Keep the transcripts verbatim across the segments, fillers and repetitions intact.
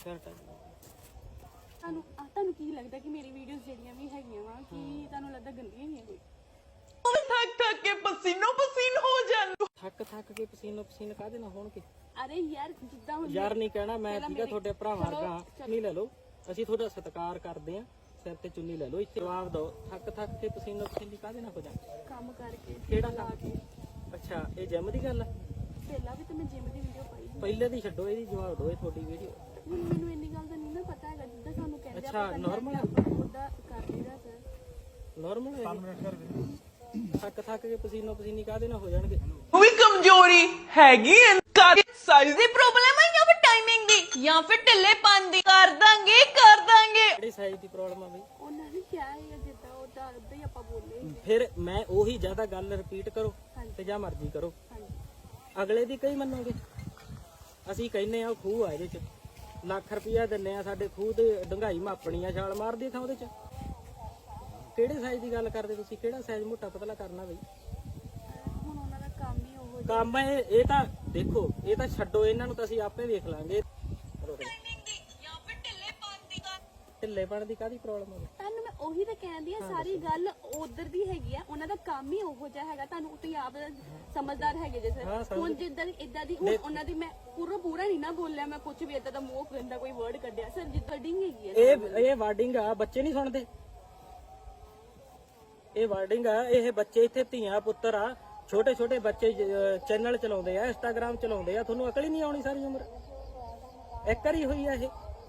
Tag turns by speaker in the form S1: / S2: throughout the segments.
S1: Shirt
S2: ਤੁਹਾਨੂੰ ਤੁਹਾਨੂੰ ਕੀ ਲੱਗਦਾ ਕਿ ਮੇਰੀ ਵੀਡੀਓਜ਼ ਜਿਹੜੀਆਂ ਵੀ ਹੈਗੀਆਂ ਵਾ ਕਿ ਤੁਹਾਨੂੰ ਲੱਗਦਾ ਗੰਦੀਆਂ ਹੀ ਆ ਕੋਈ
S3: ਥੱਕ ਥੱਕ ਕੇ ਪਸੀਨੋ ਪਸੀਨ ਹੋ ਜਾਣ
S1: ਥੱਕ ਥੱਕ ਕੇ ਪਸੀਨੋ ਪਸੀਨ ਕਾਹਦੇ ਨਾਲ ਹੋਣਗੇ?
S2: ਅਰੇ ਯਾਰ ਜਿੱਦਾਂ ਹੁਣ
S1: ਯਾਰ ਨਹੀਂ ਕਹਿਣਾ ਮੈਂ ਠੀਕਾ ਤੁਹਾਡੇ ਭਰਾਵਾਂ ਵਰਗਾ ਨਹੀਂ ਲੈ ਲਓ ਅਸੀਂ ਤੁਹਾਡਾ ਸਤਿਕਾਰ ਕਰਦੇ ਆ ਸਿਰ ਤੇ ਚੁੰਨੀ ਲੈ ਲਓ ਇੱਥੇ ਜਵਾਬ ਦਿਓ ਥੱਕ ਥੱਕ ਕੇ ਪਸੀਨੋ ਪਸੀਨੀ ਕਾਹਦੇ ਨਾਲ ਹੋ ਜਾਣ?
S2: ਕੰਮ ਕਰਕੇ
S1: ਕਿਹੜਾ
S2: ਲਾ
S1: ਕੰਮ?
S2: ਕੇ
S1: ਅੱਛਾ ਇਹ ਜਿਮ ਦੀ ਗੱਲ ਆ?
S2: ਪਹਿਲਾਂ ਵੀ ਤਾਂ ਮੈਂ ਜਿਮ ਦੀ ਵੀਡੀਓ ਪਾਈ ਸੀ।
S1: ਪਹਿਲੇ ਦੀ ਛੱਡੋ ਇਹਦੀ ਜਵਾਬ ਦਿਓ ਇਹ ਤੁਹਾਡੀ ਵੀਡੀਓ।
S2: ਹੁਣ ਮੈਨੂੰ ਇੰਨੀ ਗੱਲ ਦਾ ਨਹੀਂ ਨਾ ਪਤਾ ਹੈਗਾ ਜਿੱਦਾਂ ਸਾਨੂੰ ਕਹਿੰਦੇ
S1: ਅੱਛਾ, normal ਆ?
S2: ਉਹਦਾ ਕਰ ਲਈਦਾ ਸਰ
S1: ਨਾਰਮਲ ਹੈ ਥੱਕ ਥੱਕ ਕੇ ਪਸੀਨੋ ਪਸੀਨੀ ਕਾਹਦੇ ਨਾਲ ਹੋ ਜਾਣਗੇ?
S3: ਉਹ ਵੀ ਕਮਜ਼ੋਰੀ ਹੈਗੀ ਐ ਕਰ ਸਾਈਜ਼ ਦੀ ਪ੍ਰੋਬਲਮ ਹੈ ਜਾਂ ਫਿਰ ਟਾਈਮਿੰਗ ਦੀ ਜਾਂ ਫਿਰ ਢਿੱਲੇ ਦੀ ਕਰ ਦਾਂਗੇ ਕਰ ਦਾਂਗੇ
S1: ਕਿਹੜੀ ਸਾਈਜ਼ ਦੀ ਪ੍ਰੋਬਲਮ ਆ ਬਈ?
S2: ਉਹਨਾਂ ਨੇ ਕਿਹਾ ਹੈ ਜਿੱਦਾਂ ਉਹਦਾ ਉਦਾਂ ਹੀ ਆਪਾਂ ਬੋਲੇ ਸੀਗੇ।
S1: ਫਿਰ ਮੈਂ ਉਹੀ ਜ਼ਿਆਦਾ ਗੱਲ ਰਿਪੀਟ ਕਰੋ
S2: ਹਾਂਜੀ।
S1: ਤੇ ਜਾਂ ਮਰਜ਼ੀ ਕਰੋ
S2: ਹਾਂਜੀ
S1: ਅਗਲੇ ਦੀ ਕਈ ਮੰਨੋਗੇ? ਅਸੀਂ ਕਹਿੰਨੇ ਆ ਉਹ ਖੂਹ ਆ ਇਹਦੇ ਚ ਲੱਖ ਰੁਪਇਆ ਦਿੰਨੇ ਆ ਸਾਡੇ ਖੂਹ ਤੇ ਡੰਗਾਈ ਮਾਪਣੀ ਆ ਛਾਲ ਮਾਰਦੀ ਥਾਂ ਉਹਦੇ ਚ ਕਿਹੜੇ ਸਾਈਜ਼ ਦੀ ਗੱਲ ਕਰਦੇ ਤੁਸੀਂ? ਕਿਹੜਾ ਸਾਈਜ਼ ਮੋਟਾ ਪਤਲਾ ਕਰਨਾ ਬਈ?
S2: ਹੁਣ ਉਹਨਾਂ ਦਾ ਕੰਮ ਹੀ ਉਹ
S1: ਕੰਮ ਇਹ ਇਹ ਤਾਂ ਦੇਖੋ ਇਹ ਤਾਂ ਛੱਡੋ ਇਹਨਾਂ ਨੂੰ ਤਾਂ ਅਸੀਂ ਆਪੇ ਵੇਖ ਲਾਂਗੇ। ਢਿੱਲੇਪਣ ਦੀ ਕਾਹਦੀ ਪ੍ਰੋਬਲਮ ਆ?
S2: ਤੁਹਾਨੂੰ ਮੈਂ ਉਹੀ ਤਾਂ ਕਹਿੰਦੀ ਆ ਸਾਰੀ ਗੱਲ ਉਧਰ ਦੀ ਹੈਗੀ ਆ ਉਹਨਾਂ ਦਾ ਕੰਮ ਹੀ ਉਹੋ ਜਿਹਾ ਹੈਗਾ ਤੁਹਾਨੂੰ ਤੁਸੀਂ ਆਪ ਸਮਝਦਾਰ ਹੈਗੇ ਜੇ
S1: ਹਾਂ,
S2: ਸਰ ਹੁਣ ਜਿੱਦਾਂ ਇਦਾਂ ਦੀ ਹੁਣ ਉਹਨਾਂ ਦੀ ਮੈਂ ਪੂਰਾ ਪੂਰਾ ਨਹੀਂ ਨਾ ਬੋਲਿਆ ਮੈਂ ਕੁਝ ਵੀ ਇਦਾਂ ਦਾ ਮੂੰਹ ਗੰਦਾ ਕੋਈ ਵਰਡ ਕੱਢਿਆ ਸਰ ਜਿੱਦਾਂ ਡਿੰਗ ਹੈਗੀ ਆ
S1: ਇਹ ਇਹ ਵਾਰਡਿੰਗ ਆ ਬੱਚੇ ਨਹੀਂ ਸੁਣਦੇ ਇਹ ਵਾਰਡਿੰਗ ਆ ਇਹ ਬੱਚੇ ਇੱਥੇ ਧੀਆਂ ਪੁੱਤਰ ਆ ਛੋਟੇ ਛੋਟੇ ਬੱਚੇ ਚੈਨਲ ਚਲਾਉਂਦੇ ਆ ਇੰਸਟਾਗ੍ਰਾਮ ਚਲਾਉਂਦੇ ਆ ਤੁਹਾਨੂੰ ਅਕਲ ਹੀ ਨਹੀਂ ਆਉਣੀ ਸਾਰੀ ਉਮਰ ਇੱਕ ਵਾਰੀ ਹੋਈ ਆ ਇਹ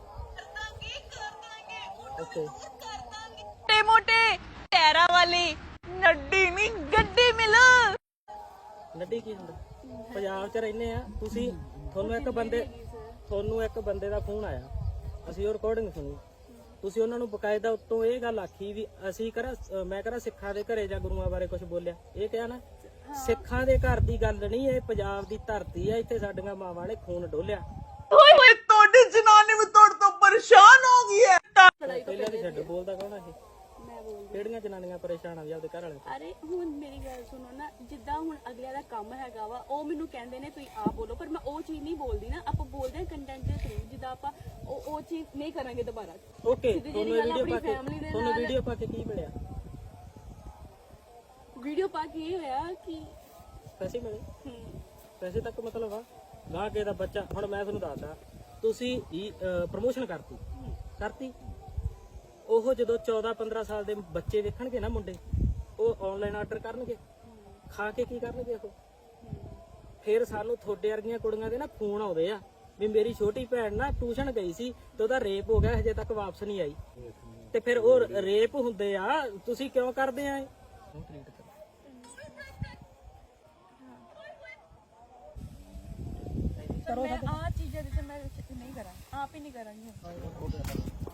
S1: ਓਕੇ
S3: ਮੋਟੇ ਮੋਟੇ ਟੈਰਾ ਵਾਲੀ ਨੱਡੀ ਨਹੀਂ ਗੱਡੀ ਮਿਲ
S1: ਨੱਡੀ ਕੀ ਹੁੰਦਾ? ਪੰਜਾਬ 'ਚ ਰਹਿੰਦੇ ਆ ਤੁਸੀਂ ਤੁਹਾਨੂੰ ਇੱਕ ਬੰਦੇ ਤੁਹਾਨੂੰ ਇੱਕ ਬੰਦੇ ਦਾ ਫੋਨ ਆਇਆ ਅਸੀਂ ਉਹ ਰਿਕਾਰਡਿੰਗ ਸੁਣੀ ਤੁਸੀਂ ਉਹਨਾਂ ਨੂੰ ਬਕਾਇਦਾ ਉੱਤੋਂ ਇਹ ਗੱਲ ਆਖੀ ਵੀ ਅਸੀਂ ਕਰਾ ਮੈਂ ਕਰਾ ਸਿੱਖਾਂ ਦੇ ਘਰੇ ਜਾਂ ਗੁਰੂਆਂ ਬਾਰੇ ਕੁਝ ਬੋਲਿਆ ਇਹ ਕਿਹਾ ਨਾ ਸਿੱਖਾਂ ਦੇ ਘਰ ਦੀ ਗੱਲ ਨਹੀਂ ਇਹ ਪੰਜਾਬ ਦੀ ਧਰਤੀ ਆ ਇੱਥੇ ਸਾਡੀਆਂ ਮਾਵਾਂ ਨੇ ਖੂਨ ਡੋਲਿਆ
S3: ਓਏ ਹੋਏ ਤੁਹਾਡੀ ਜਨਾਨੀ ਵੀ ਤੁਹਾਡੇ ਤੋਂ ਪਰੇਸ਼ਾਨ ਹੋ ਗਈ ਹੈ
S1: ਪਹਿਲਾਂ ਦੀ ਛੱਡ ਬੋਲਦਾ ਕੌਣ ਆ ਇਹ?
S2: ਮੈਂ ਬੋਲਦੀ
S1: ਕਿਹੜੀਆਂ ਜਨਾਨੀਆਂ ਪਰੇਸ਼ਾਨ ਆ ਵੀ ਆਪਦੇ ਘਰ ਵਾਲੇ?
S2: ਅਰੇ ਹੁਣ ਮੇਰੀ ਗੱਲ ਸੁਣੋ ਨਾ ਜਿੱਦਾਂ ਹੁਣ ਅਗਲਿਆਂ ਦਾ ਕੰਮ ਹੈਗਾ ਵਾ ਉਹ ਮੈਨੂੰ ਕਹਿੰਦੇ ਨੇ ਤੁਸੀਂ ਆਪ ਬੋਲੋ ਪਰ ਮੈਂ ਉਹ ਚੀਜ਼ ਨਹੀਂ ਬੋਲਦੀ ਨਾ ਆਪਾਂ ਬੋਲਦੇ ਹਾਂ ਕੰਟੈਂਟ ਦੇ ਥਰੂ ਜਿੱਦਾਂ ਆਪਾਂ ਉਹ ਉਹ ਚੀਜ਼ ਨਹੀਂ ਕਰਾਂਗੇ ਦੁਬਾਰਾ
S1: ਓਕੇ
S2: ਸਿੱਧੀ
S1: ਤੁਹਾਨੂੰ
S2: ਜਿਹੀ ਗੱਲ
S1: ਵੀਡੀਓ ਪਾ
S2: ਆਪਣੀ
S1: ਕੇ
S2: family ਦੇ
S1: ਤੁਹਾਨੂੰ
S2: ਨਾਲ-
S1: ਵੀਡੀਓ ਪਾ ਕੇ ਕੀ ਮਿਲਿਆ?
S2: ਵੀਡੀਓ ਪਾ ਕੇ ਇਹ ਹੋਇਆ ਕਿ
S1: ਪੈਸੇ ਮਿਲੇ?
S2: ਹਮ,
S1: ਪੈਸੇ ਤੱਕ ਮਤਲਬ ਆ ਗਾਹ ਕੇ ਦਾ ਬੱਚਾ ਹੁਣ ਮੈਂ ਤੁਹਾਨੂੰ ਦੱਸਦਾ ਤੁਸੀਂ ਪ੍ਰਮੋਸ਼ਨ ਕਰਤੀ ਕਰਤੀ ਉਹ ਜਦੋਂ ਚੌਦਾਂ ਪੰਦਰਾਂ ਸਾਲ ਦੇ ਬੱਚੇ ਵੇਖਣਗੇ ਨਾ ਮੁੰਡੇ ਉਹ ਆਨਲਾਈਨ ਆਰਡਰ ਕਰਨਗੇ ਖਾ ਕੇ ਕੀ ਕਰਨਗੇ ਉਹ ਫਿਰ ਸਾਨੂੰ ਤੁਹਾਡੇ ਵਰਗੀਆਂ ਕੁੜੀਆਂ ਦੇ ਨਾ ਫੋਨ ਆਉਂਦੇ ਆ ਵੀ ਮੇਰੀ ਛੋਟੀ ਭੈਣ ਨਾ ਟਿਊਸ਼ਨ ਗਈ ਸੀ ਤੇ ਉਹਦਾ ਰੇਪ ਹੋ ਗਿਆ ਹਜੇ ਤੱਕ ਵਾਪਸ ਨਹੀਂ ਆਈ ਤੇ ਫਿਰ ਉਹ ਰੇਪ ਹੁੰਦੇ ਆ ਤੁਸੀਂ ਕਿਉਂ ਕਰਦੇ ਆ ਇਹ
S2: ਮੈਂ ਆ ਚੀਜ਼ਾਂ ਜਿੱਥੇ ਮੈਂ ਨਹੀਂ ਕਰਾਂ ਆਪ ਹੀ ਨਹੀਂ ਕਰਾਂਗੀ